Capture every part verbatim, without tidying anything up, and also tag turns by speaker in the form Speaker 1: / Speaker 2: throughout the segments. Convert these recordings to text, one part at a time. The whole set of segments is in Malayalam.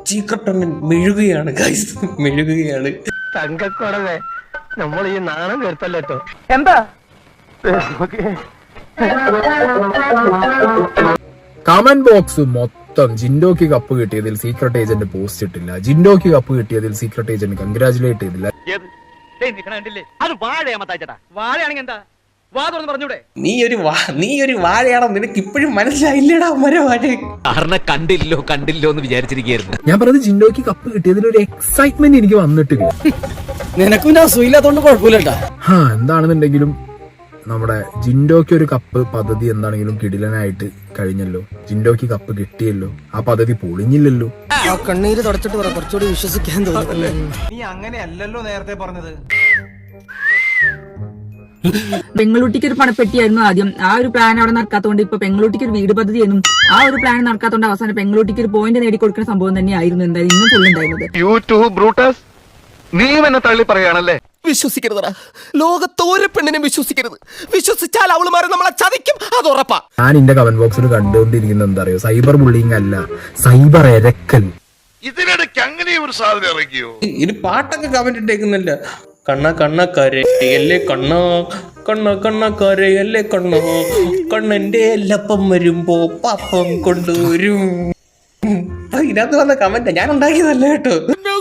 Speaker 1: ചീക്കട്ടണ്ണൻ മെഴുകുകയാണ് ഗൈസ്, മെഴുകുകയാണ്.
Speaker 2: തങ്കക്കുറവേ, നമ്മൾ ഈ നാണം കേട്ടല്ലോ. എന്താ
Speaker 3: കമന്റ് ബോക്സ് മൊത്തം ജിൻഡോക്ക് കപ്പ് കിട്ടിയതിൽ സീക്രട്ട് ഏജന്റ് പോസ്റ്റ് ഇട്ടില്ല, ജിൻഡോക്ക് കപ്പ് കിട്ടിയതിൽ സീക്രട്ട് ഏജന്റ് കൺഗ്രാചുലേറ്റ് ചെയ്തില്ല.
Speaker 1: നീ ഒരു നീ ഒരു വാഴയാണോ, നിനക്ക് ഇപ്പോഴും മനസ്സിലായില്ലടാ മരവാഴ.
Speaker 4: കണ്ടില്ലോ കണ്ടില്ലോ എന്ന് വിചാരിച്ചിരിക്കുന്നു.
Speaker 3: ഞാൻ പറഞ്ഞത് ജിൻഡോക്ക് കപ്പ് കിട്ടിയതിൽ ഒരു എക്സൈറ്റ്മെന്റ് എനിക്ക് വന്നിട്ടില്ല.
Speaker 5: നിനക്കും അസൂയില്ലാത്തോണ്ട് കുഴപ്പമില്ലട്ടാ.
Speaker 3: ഹാ എന്താണെന്നുണ്ടെങ്കിലും നമ്മുടെ ജിൻഡോക്ക് ഒരു കപ്പ് പദ്ധതി എന്താണെങ്കിലും കിടിലനായിട്ട് കഴിഞ്ഞല്ലോ. ജിൻഡോക്ക് കപ്പ് കിട്ടിയല്ലോ, ആ പദ്ധതി പൊളിഞ്ഞില്ലല്ലോ.
Speaker 5: കണ്ണീര് തുടച്ചിട്ട് പറ, കുറച്ചുകൂടി വിശ്വസിക്കാൻ തോന്നുന്നു.
Speaker 6: നീ അങ്ങനെയല്ലല്ലോ നേരത്തെ പറഞ്ഞത്.
Speaker 7: പെങ്ങളൂട്ടിക്ക് ഒരു പണപ്പെട്ടിയായിരുന്നു ആദ്യം. ആ ഒരു പ്ലാൻ അവിടെ നടക്കാത്തതുകൊണ്ട് ഇപ്പൊ പെങ്ങളൂട്ടിക്ക് ഒരു വീട് പദ്ധതി എന്നും ആ ഒരു പ്ലാൻ നടക്കാത്തതുകൊണ്ട് അവസാനം പെങ്ങളൂട്ടിക്ക് ഒരു പോയിന്റ് നേടിക്കൊടുക്കുന്ന സംഭവം തന്നെയായിരുന്നു എന്തായാലും ഇന്നും ഫുള്ളുണ്ടായിരുന്നത്.
Speaker 2: നീ എന്നെ തള്ളി പറയാണല്ലേ?
Speaker 5: വിശ്വസിക്കരുതടാ, ലോകത്തോരെ പെണ്ണിനെ വിശ്വസിക്കരുത്. വിശ്വസിച്ചാൽ അവള് മാറി നമ്മളെ ചതിക്കും, അത് ഉറപ്പാ.
Speaker 3: ഞാൻ എന്റെ കമന്റ് ബോക്സിൽ കണ്ടുകൊണ്ടിരിക്കുന്നത് എന്താ അറിയോ, സൈബർ ബുള്ളിങ് അല്ല, സൈബർ എരക്കൽ.
Speaker 8: ഇതിനിടയ്ക്ക് അങ്ങനെ ഒരു സാധനം ഇറക്കിയോ?
Speaker 1: ഇത് പാട്ടൊക്കെ കമന്റ് ഇട്ടേക്കുന്നില്ല. കണ്ണ കണ്ണ കരയല്ലേ കണ്ണ, കണ്ണ കണ്ണ കരയല്ലേ കണ്ണ, കണ്ണന്റെ എല്ലപ്പം വരുമ്പോ പാപ്പം കൊണ്ടുവരും. ഇതിനകത്ത് വന്ന കമന്റ് ഞാൻ ഉണ്ടാക്കിയതല്ല കേട്ടോ.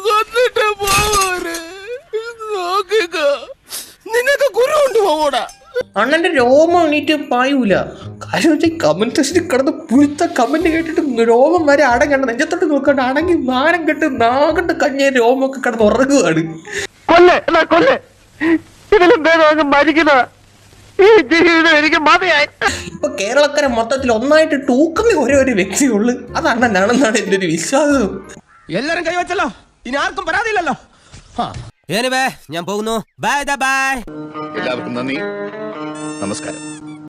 Speaker 5: നിനക്ക് ഗുരു കൊണ്ടുപോകൂടാ.
Speaker 1: അണ്ണന്റെ രോമം എണീറ്റ് പായൂല. കാര്യം വെച്ചാൽ കമന്റ് സെക്ഷനിൽ കിടന്ന് പുഴുത്ത കമന്റ് കേട്ടിട്ട് രോമം വരെ അടങ്ങണ്ട, നെഞ്ചത്തോട്ട് നോക്കണ്ട, അടങ്ങി നാരം കെട്ട് നാകണ്ട് കഞ്ഞ രോമൊക്കെ കിടന്ന് ഉറങ്ങുകയാണ്.
Speaker 2: കൊല്ലേ കൊല്ലേ, ഇതിലും ഭേദം മരിക്കുന്ന ഈ ജീവിതം എനിക്ക് മതിയായി.
Speaker 1: ഇപ്പൊ കേരളക്കര മൊത്തത്തിൽ ഒന്നായിട്ട് ടൂക്കുന്ന ഒരേ ഒരു വ്യക്തിയുള്ളു, അത് അണ്ണനാണെന്നാണ് എന്റെ ഒരു വിശ്വാസം.
Speaker 5: എല്ലാരും കൈവച്ചല്ലോ, ഇനി ആർക്കും പരാതിയില്ലല്ലോ. ഞാൻ പോകുന്നു. Bye bye.
Speaker 8: എല്ലാവർക്കും നന്ദി, നമസ്കാരം.